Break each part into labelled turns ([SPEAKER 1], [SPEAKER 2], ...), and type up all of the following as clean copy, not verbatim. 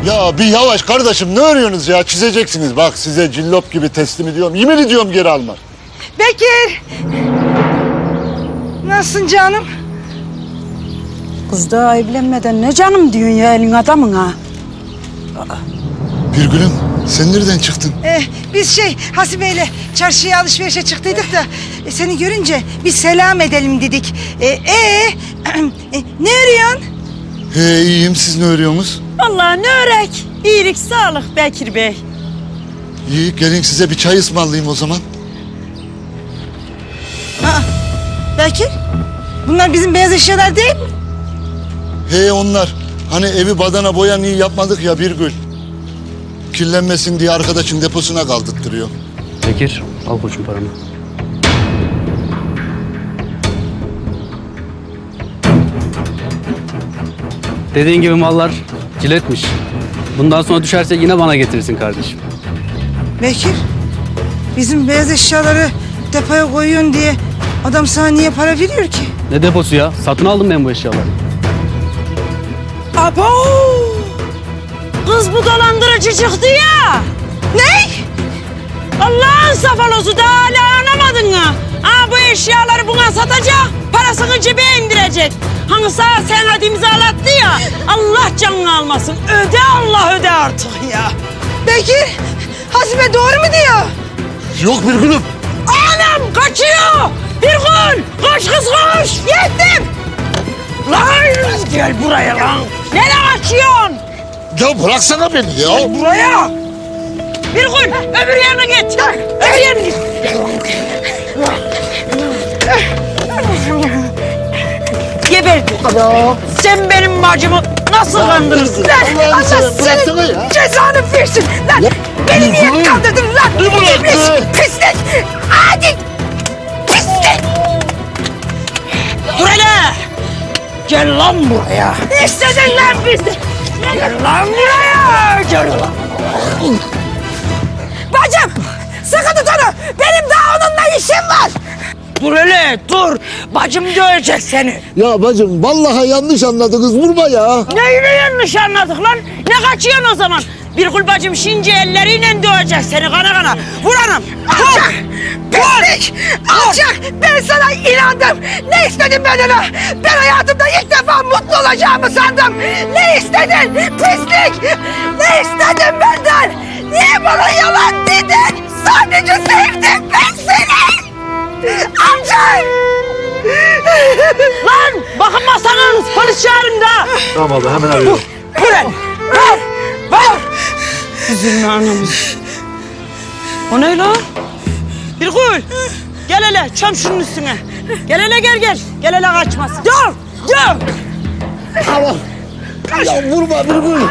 [SPEAKER 1] Ya bir yavaş kardeşim, ne örüyorsunuz ya? Çizeceksiniz. Bak size cillop gibi teslim ediyorum. Yemin ediyorum geri almam.
[SPEAKER 2] Bekir! Nasılsın canım?
[SPEAKER 3] Kız daha evlenmeden ne canım diyorsun ya elin adamın ha?
[SPEAKER 1] Birgül'üm sen nereden çıktın?
[SPEAKER 2] Biz Hasibe'yle çarşıya alışverişe çıktıydık da seni görünce bir selam edelim dedik. Ne arıyorsun?
[SPEAKER 1] İyiyim, siz ne örüyorsunuz?
[SPEAKER 3] Vallahi ne örek. İyilik sağlık Bekir Bey.
[SPEAKER 1] İyi, gelin size bir çay ısmarlayayım o zaman.
[SPEAKER 2] Bekir? Bunlar bizim beyaz eşyalar değil mi?
[SPEAKER 1] Onlar. Hani evi badana boyan iyi yapmadık ya Birgül. Kirlenmesin diye arkadaşın deposuna kaldırttırıyor.
[SPEAKER 4] Bekir, al koçum paranı. Dediğin gibi mallar ciletmiş. Bundan sonra düşerse yine bana getirirsin kardeşim.
[SPEAKER 2] Bekir, bizim beyaz eşyaları depoya koyuyorsun diye adam sana niye para veriyor ki?
[SPEAKER 4] Ne deposu ya? Satın aldım ben bu eşyaları.
[SPEAKER 3] Abo! Kız bu dolandırıcı çıktı ya.
[SPEAKER 2] Ne?
[SPEAKER 3] Allah'ın safalosu da hala anlamadın mı? Bu eşyaları buna satacak, parasını cebine indirecek. Hani sana senat imzalattı ya, Allah canını almasın. Öde Allah öde artık ya.
[SPEAKER 2] Bekir, Hasibe doğru mu diyor?
[SPEAKER 1] Yok Birgül'üm.
[SPEAKER 3] Anam kaçıyor. Birgül, koş kız koş. Yettim. Lan gel buraya lan. Nereye kaçıyorsun?
[SPEAKER 1] Ya bıraksana beni ya.
[SPEAKER 3] Gel buraya. Birgül, öbür yerine git. Öbür yerine git. Geberdi. Sen benim bacımı nasıl kandırırsın?
[SPEAKER 1] Allah'ını seversen bıraksana ya.
[SPEAKER 2] Cezanı versin lan. Beni niye kandırdın lan? İblis, pislik. Hadi. Pislik.
[SPEAKER 3] Dur hele. Gel lan buraya.
[SPEAKER 2] İstedin lan bizi.
[SPEAKER 3] Gel lan buraya. Gel lan.
[SPEAKER 2] Bacım, sıkı tut onu. Benim daha onunla işim var.
[SPEAKER 3] Dur hele dur. Bacım dövecek seni.
[SPEAKER 1] Ya bacım vallahi yanlış anladınız, vurma ya.
[SPEAKER 3] Neyini yanlış anladık lan? Ne kaçıyorsun o zaman? Birgül bacım şimdi elleriyle dövecek seni kana kana. Vur anam.
[SPEAKER 2] Alçak! Pislik! Alçak! Ben sana inandım. Ne istedin benden? Ben hayatımda ilk defa mutlu olacağımı sandım. Ne istedin? Pislik! Ne istedin benden? Niye bana yalan dedin? Sadece sevdim ben seni. Alçak!
[SPEAKER 3] Lan bakınmasanız polis çağırın da.
[SPEAKER 1] Tamam abla, hemen arıyorum.
[SPEAKER 3] Buraya. Ver. Üzülme anamız. O ne lan? Birgül. Gel hele çöm şunun üstüne. Gel hele gel. Gel hele kaçmasın. Dur.
[SPEAKER 1] Tamam. Ya vurma Birgül.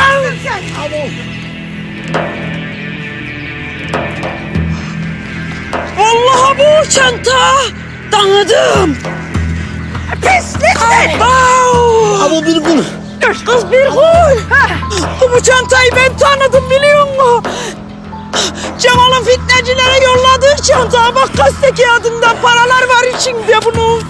[SPEAKER 3] Vallahi bu çanta. Tanıdım.
[SPEAKER 2] Pislik!
[SPEAKER 1] Ama Birgül.
[SPEAKER 3] Kız Birgül. Bu çantayı ben tanıdım biliyor musun? Cemal'ın fitnecilere yolladığı çanta. Bak gazete kağıdında paralar var içinde bunun.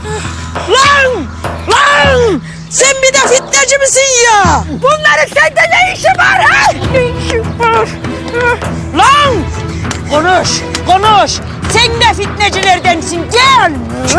[SPEAKER 3] Lan! Sen bir de fitneci misin ya?
[SPEAKER 2] Bunların sende ne işi var ha?
[SPEAKER 3] Ne işin var? Lan! Konuş. Sen de fitnecilerdensin. Gel.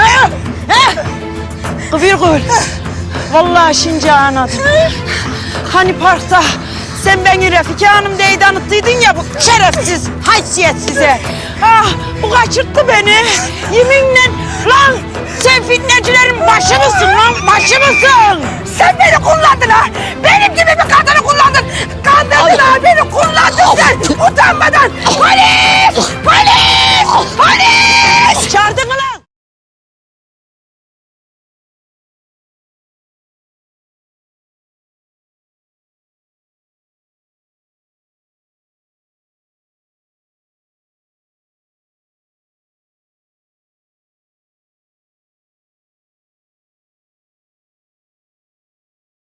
[SPEAKER 3] Birgül. Vallahi şimdi anladım. Hani parkta sen beni Refika Hanım diye tanıttıydın ya bu şerefsiz, haysiyetsize. Bu kaçırttı beni. Yeminle lan sen fitnecilerin başı mısın lan? Başı mısın?
[SPEAKER 2] Sen beni kullandın ha! Benim gibi bir kadını kullandın! Kandırdın ha! Beni kullandın sen! Utanmadan! Polis! Polis! Polis!
[SPEAKER 3] Çağırdın mı lan?